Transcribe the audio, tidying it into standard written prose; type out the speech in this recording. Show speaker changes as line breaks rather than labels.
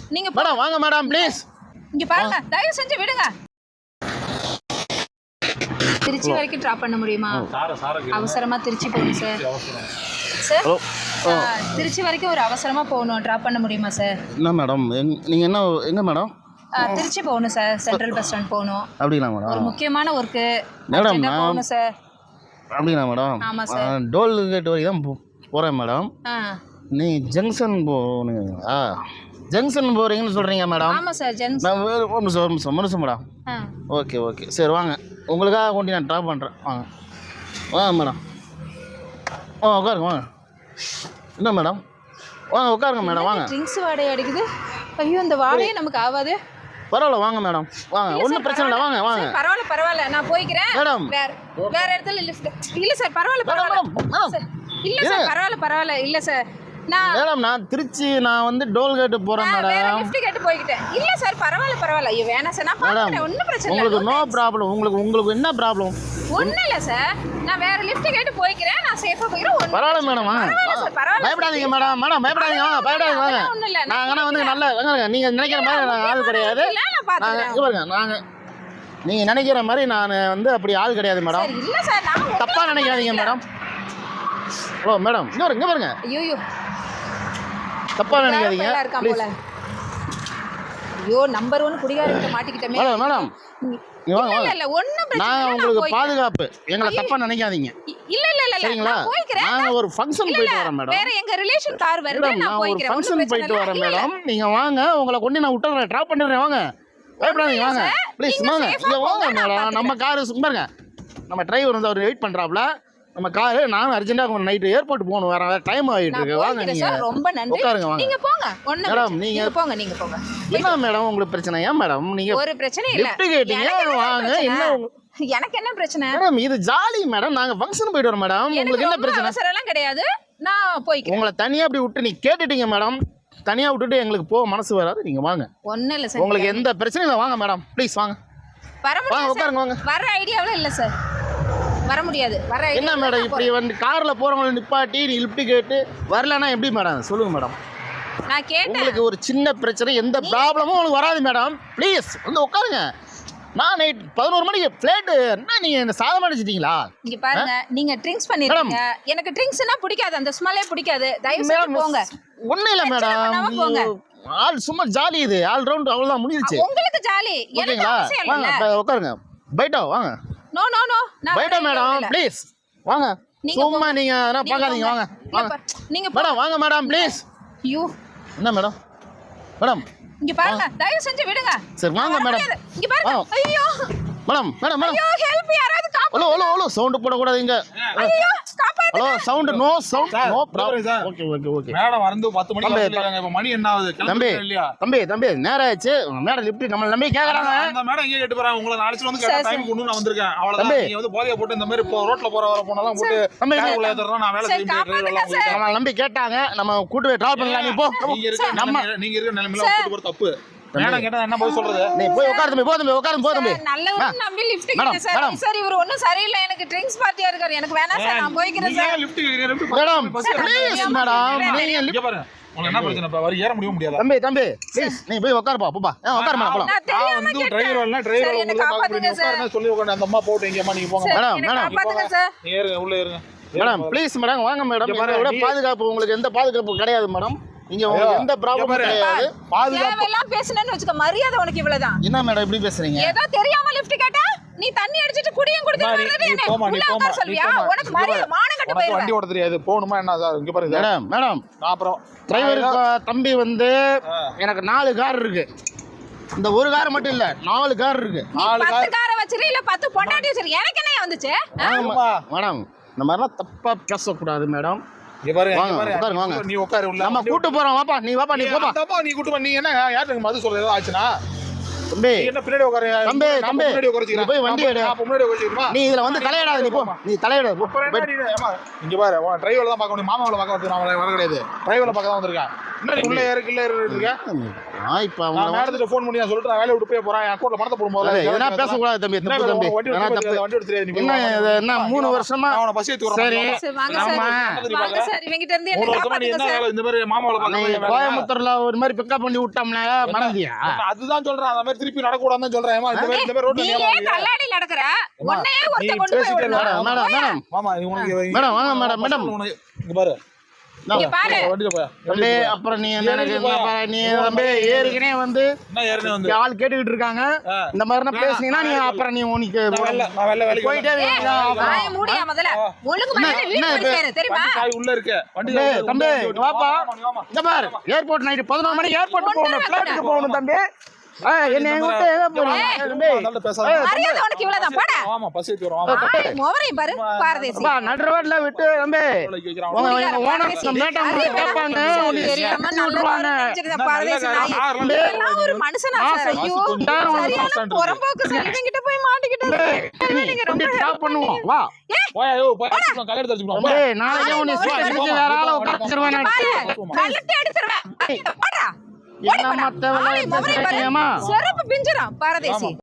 நீங்க
மேடம் வாங்க madam please.
இங்க பாருங்க, தயவு செஞ்சு விடுங்க. திருச்சி வரைக்கும் டிராப் பண்ண முடியுமா? அவசரமா திருச்சி போகணும் சார். சார் திருச்சி வரைக்கும் ஒரு அவசரமா போகணும், டிராப் பண்ண முடியுமா சார்?
என்ன மேடம் நீங்கள் என்ன எங்கே மேடம்?
திருச்சி போகணும் சார், சென்ட்ரல் பஸ் ஸ்டாண்ட் போகணும்.
அப்படிங்களா மேடம்?
ஒரு முக்கியமான ஒர்க்கு
மேடம்
போகணும் சார்.
அப்படிங்களா மேடம்?
ஆமாம் சார்.
டோல் கேட் வரைக்கும் தான் போகிறேன் மேடம். நீ ஜங்ஷன் போகணுங்களா? ஜங்ஷன் போகிறீங்கன்னு சொல்கிறீங்க மேடம்?
ஆமாம் சார்,
நான் ஒரு நிமிஷம் மேடம். ஓகே சரி வாங்க, உங்களுக்காக கொண்டு நான் ட்ராப் பண்ணுறேன். வாங்க மேடம். உட்காருங்க வாங்க. என்ன மேடம் உட்காருங்க மேடம் வாங்க.
ட்ரிங்க்ஸ் வாடகை அடிக்குது. ஐயோ இந்த வாடகை நமக்கு ஆகாது.
பரவாயில்ல வாங்க மேடம் வாங்க, ஒன்றும் பிரச்சனை இல்லை வாங்க.
பரவாயில்ல நான் போய்க்கிறேன் மேடம். வேற இடத்துல லிஃப்ட் இல்லை சார். பரவாயில்ல இல்லை சார். பரவாயில்ல இல்லை சார்.
நான் திருச்சி வந்து டோல் கேட்டு போறேன் மேடம்.
லிஃப்ட் கேட்டு போய்க்கிட்டேன். இல்ல சார் பரவாயில்ல. ஐயோ வேணாம் சார், நான் பாக்குறேன், ஒண்ணும் பிரச்சனை இல்ல.
உங்களுக்கு நோ ப்ராப்ளம். உங்களுக்கு என்ன ப்ராப்ளம்?
ஒண்ணும் இல்ல சார், நான் வேற லிஃப்ட் கேட்டு போய்க்கிறேன். நான் சேஃபா போய்க்கிறேன்.
பரவாயில்ல மேடம் வாங்க. பயப்படாதீங்க மேடம். பயப்படாதீங்க வாங்க. நாங்க வந்து நல்ல நீங்க நினைக்கிற மாதிரி நான் ஆள் கிடையாது. நாங்க நீங்க நினைக்கிற மாதிரி நான் வந்து அப்படி ஆள் கிடையாது மேடம்.
இல்ல சார், நான்
தப்பா நினைக்காதீங்க மேடம். மேடம் இங்க பாருங்க.
ஐயோ
தப்பா நினைக்காதீங்க ப்ளீஸ்.
ஐயோ நம்பர் 1 குடிகாரங்கிட்ட மாட்டிக்கிட்டமே.
மேடம்
இல்ல ஒண்ணும் பிரச்சனை இல்ல.
நான் உங்களுக்கு பாதுகாப்பு. எங்களை தப்பா நினைக்காதீங்க.
இல்ல
சரிங்களா? நான் ஒரு ஃபங்க்ஷன் போயிட்டு வரேன் மேடம்.
வேற எங்க ரிலேஷன் கார் வருது, நான் போய்க்கிறேன்.
ஒரு ஃபங்க்ஷன் போயிட்டு வரேன் மேடம். நீங்க வாங்க, உங்களை கொண்டு நான் விட்டுறேன், டிராப் பண்ணிடுறேன். வாங்க, பயப்படாதீங்க வாங்க ப்ளீஸ். வாங்க இங்க வாங்க மேடம். நம்ம கார் பாருங்க, நம்ம டிரைவர் வந்து அவர் வெயிட் பண்றாப்ல. நம்ம காரு நான் அர்ஜென்ட்டாக நைட்டு ஏர்போர்ட் போகணும், வேற டைம் ஆகிட்டு இருக்கு. வாங்க நீங்க
ரொம்ப நன்றி.
உட்காருங்க வாங்க.
நீங்க போங்க.
மேடம் நீங்க
போங்க.
என்ன மேடம் உங்களுக்கு பிரச்சனை? ஏன் மேடம் நீங்க
ஒரு பிரச்சனை இல்ல.
லிஃப்ட் கேட்டீங்க வாங்க. என்ன
எனக்கு என்ன பிரச்சனை?
மேடம் இது ஜாலி மேடம். நாங்க ஃபங்க்ஷன் போயிட்டு வரோம் மேடம். உங்களுக்கு என்ன பிரச்சனை?
அவசரம் எல்லாம் கிடையாது, நான் போய்க்கிறேன்.
உங்களை தனியா அப்படி விட்டு நீ கேட்டுட்டீங்க மேடம். தனியா விட்டுட்டு எங்களுக்கு போக மனசு வராது. நீங்க வாங்க.
ஒண்ணும் இல்ல சார்,
உங்களுக்கு எந்த பிரச்சனையும் இல்லை. வாங்க மேடம் ப்ளீஸ் வாங்க.
வாங்க
உட்காருங்க வாங்க.
வர ஐடியாவே இல்ல சார், வர முடியாது.
என்ன மேடம் இப்படி வந்து கார்ல போறவங்களை நிப்பாட்டி நீ லிஃப்ட் கேட்டு வரலன்னா எப்படி மேடம்? சொல்லுங்க மேடம்.
நான் கேட்டேன்.
உங்களுக்கு ஒரு சின்ன பிரச்சனை, எந்த ப்ராப்ளமும் உங்களுக்கு வராது மேடம். ப்ளீஸ் வந்து உட்காருங்க. நான் நைட் 11 மணிக்கு ஃப்ளைட். என்ன நீங்க இந்த சாதம் அடிச்சிட்டீங்களா?
இங்க பாருங்க, நீங்க ட்ரிங்க்ஸ் பண்ணிருக்கீங்க. எனக்கு ட்ரிங்க்ஸ்னா பிடிக்காது, அந்த ஸ்மெல்லே பிடிக்காது. தயவு செஞ்சு போங்க.
ஒண்ணும் இல்ல மேடம், ஆல் சும்மா ஜாலி. இது ஆல் ரவுண்ட் அவ்வளவுதான் முடிஞ்சிருச்சு.
உங்களுக்கு ஜாலி, எனக்கு அவசியம் இல்ல.
வாங்க உட்காருங்க. பைட்டா வாங்க.
நோ
பைட்டா மேடம் ப்ளீஸ் வாங்க. சும்மா நீங்க என்ன பார்க்காதீங்க. வாங்க
நீங்க
மேடம் வாங்க மேடம் ப்ளீஸ்.
ஐயோ
என்ன மேடம்
இங்க பாருங்க, தயவு செஞ்சு விடுங்க.
சரி வாங்க மேடம்.
இங்க பாருங்க. ஐயோ
மேடம்
ஐயோ ஹெல்ப், யாராவது காப்பாத்து.
ஹலோ சவுண்ட் போட கூடாது இங்க.
ஐயோ காப்பாத்து.
Hello sound no problem. Okay
madam வந்து 10 மணிக்கு சொல்லிருக்காங்க. இப்ப மணி என்ன ஆகுது?
தம்பி
இல்லையா?
தம்பி நேரா ஆச்சு. மேடம் லிஃப்ட் நம்ம நம்பி கேக்குறாங்க.
அந்த மேடம் எங்க கேட்டு போறாங்க? உங்களை நாளைக்கு வந்து கேட்ட டைம் கொண்டு நான் வந்திருக்கேன். அவ்வளவுதான். நீங்க வந்து போதைய போட்டு இந்த மாதிரி ரோட்ல போற போனலாம் போட்டு உள்ள ஏத்துறோம். நான் வேலை செஞ்சுட்டு
நம்ம நம்பி கேட்டாங்க. நம்ம கூட்டு போய் டிராப் பண்ணலாம். நீ போ.
நீங்க இருக்க நிலைமையில கூட்டு போற தப்பு. மேடம் கேட்டா என்ன போய் சொல்றது?
நீ போய் உட்காரு தம்பி. போ தம்பி.
நல்ல நம்பி லிஃப்ட் கேட்டேன் சார். சார் இவர் ஒண்ணும் சரியில்லை, எனக்கு ட்ரிங்க்ஸ் பார்ட்டியா இருக்காரு. எனக்கு வேணாம் சார், நான் போய்க்கிறேன் சார்.
லிஃப்ட் கேக்குறீங்க.
மேடம் ப்ளீஸ் மேடம் நீங்க
இங்க பாருங்க. உங்களுக்கு என்ன பிரச்சனை? இப்ப வரி ஏற முடியாது.
தம்பி ப்ளீஸ் நீ போய் உட்காருப்பா. போப்பா உட்காரு மேடம்.
நான் தெரியாம
வந்து டிரைவர் வரல. டிரைவர் உங்களுக்கு காப்பாத்துங்க சார். சொல்லி உட்கார்ந்து அந்த அம்மா போட்டு எங்கம்மா நீங்க போங்க.
மேடம்
காப்பாத்துங்க சார்.
ஏறுங்க, உள்ள ஏறுங்க
மேடம் ப்ளீஸ் மேடம். வாங்க மேடம். இதோட பாதுகாப்பு உங்களுக்கு எந்த பாதுகாப்பு கிடையாது மேடம். இங்க உங்களுக்கு எந்த ப்ராப்ளமும் கிடையாது.
பாதுகாப்பு எல்லாம் பேசணும்னு வெச்சுக்க, மரியாதை உனக்கு இவ்வளவுதான்.
என்ன மேடம் இப்படி பேசுறீங்க?
ஏதோ தெரியாம லிஃப்ட் கேட்டா நீ தண்ணி அடிச்சிட்டு குடியும் குடிச்சிட்டு வரது என்ன? உள்ள உட்கார சொல்வியா? உனக்கு மரியாதை மானம் கட்ட போயிரு.
வண்டி ஓட்ட தெரியாது. போணுமா என்ன சார்? இங்க பாருங்க
மேடம்
அப்புறம்
டிரைவர் தம்பி வந்து எனக்கு 4 கார் இருக்கு. இந்த ஒரு கார் மட்டும் இல்ல, 4 கார் இருக்கு.
4 காரை வச்சிரு இல்ல 10 பொண்டாட்டி வச்சிரு. எனக்கு என்ன வந்துச்சு?
மேடம் இந்த மாதிரிலாம் தப்பா பேசக்கூடாது மேடம்.
இங்க பாருங்க.
வாங்க
நீ உட்காரு உள்ள.
நம்ம கூட்டு போறோம். வாப்பா நீ போப்பா.
நீ கூட்டு போ. நீ என்ன யாருக்கு மது சொல்றது ஆச்சுனா?
தம்பி
நீ என்ன பின்னாடி உட்காரு
தம்பி
நான்
தம்பி
முன்னாடி உட்கார
நீ போய் வண்டி எடு
நான் முன்னாடி உட்கார
நீ இதுல வந்து தலையிடாத நீ போ நீ தலையிட போ.
அப்புறம் என்ன நீ ஏமா இங்க பாரு டிரைவர்ல தான் பார்க்க முடியும் மாமாவள பார்க்க வந்து நான் வர கிடையாது டிரைவர்ல பார்க்க தான் வந்திருக்கேன் என்ன உள்ள இருக்க
நான் இப்ப
நான்
அவங்க
மேடத்துல ஃபோன் பண்ணி நான் சொல்லிட்டு நான் வேலைய விட்டு போய் போறேன் என் அக்கௌண்ட்ல பணத்தை போடும் போது
எதனா பேசக்கூடாது தம்பி தப்பு தம்பி எதனா தப்பு
வண்டி எடுத்து தெரியாது நீ
என்ன இது என்ன 3 வருஷமா
அவன பஸ் ஏத்தி வரேன்
சரி
சார் வாங்க சார்
ஆமா
வாங்க சார் இவங்கிட்ட இருந்து என்ன
3 வருஷமா நீ
காப்பாத்துங்க
என்ன
சார்
வேலை இந்த மாதிரி மாமாவள
நீ
பார்க்க
கோயம்புத்தூர்ல ஒரு மாதிரி பிக்கப் பண்ணி விட்டோம்னா மறந்தியா
அதுதான் சொல்றேன் அந்த மாதிரி திருப்பி நடக்கூடாதுன்னு சொல்றேன் ஏமா இந்த மாதிரி ரோட்ல
நீ ஏன் கல்லாடி நடக்கற உன்னையே ஒருத்த கொண்டு போய்
பேசிட்டே
விடணும்.
மேடம் மேடம்
மாமா நீ உனக்கு
மேடம் வாங்க மேடம் மேடம்
இங்க பாரு
இங்க பாரு
வண்டில போய்
தம்பி அப்புறம் நீ என்ன எனக்கு என்ன பாரு, நீ தம்பி ஏற்கனவே வந்து
என்ன ஏறனே வந்து
ஆள் கேட்டுக்கிட்டு இருக்காங்க இந்த மாதிரி பேசுனீங்கன்னா நீ அப்புறம் நீ உனக்கு
நான் வெள்ள வேலைக்கு
போயிட்டே இருக்கீங்க.
வாய மூடியா முதல்ல ஒழுங்கு மரியாதை வீட்டுக்கு போய் சேரு தெரியுமா
வண்டி சாய் உள்ள இருக்கு வண்டி
தம்பி, தம்பி இங்க வாப்பா இந்த பாரு ஏர்போர்ட் நைட்டு 11 மணிக்கு ஏர்போர்ட் போகணும் ஃபிளைட்டுக்கு போகணும் தம்பி என்ன எங்க விட்டு எங்க போறீங்க தம்பி
அதனால பேசாத
மரியாதை உனக்கு இவ்வளவுதான் போடா
ஆமா பஸ் ஏத்தி வரோம்
மோவரையும் பாரு பாரதேசி
அப்பா நடு ரோட்ல விட்டு தம்பி உங்க ஓனர் மேட்டம் கேட்பாங்க உனக்கு
தெரியாம
சேர்த்து விட்டுருவாங்க
நல்ல பாரதேசி நாய் இதெல்லாம் ஒரு மனுஷனா சார் ஐயோ சரியான புறம்போக்கு சார் இவங்கிட்ட போய் மாட்டிக்கிட்டேன் நீங்க ரொம்ப
ஸ்டாப் பண்ணுவோம் வா
போய் ஐயோ போய் கல்யாணம் தெரிஞ்சுக்கணும்
தம்பி நாளைக்கு உன்னை சீக்கிரம் வேற ஆள உட்கார்ச்சிருவேன்
பாரு கல்லட்டி அடிச்சிருவேன் போடா
என்ன மத்த வேலை
செருப்பு பிஞ்சிரும் பாரதேசி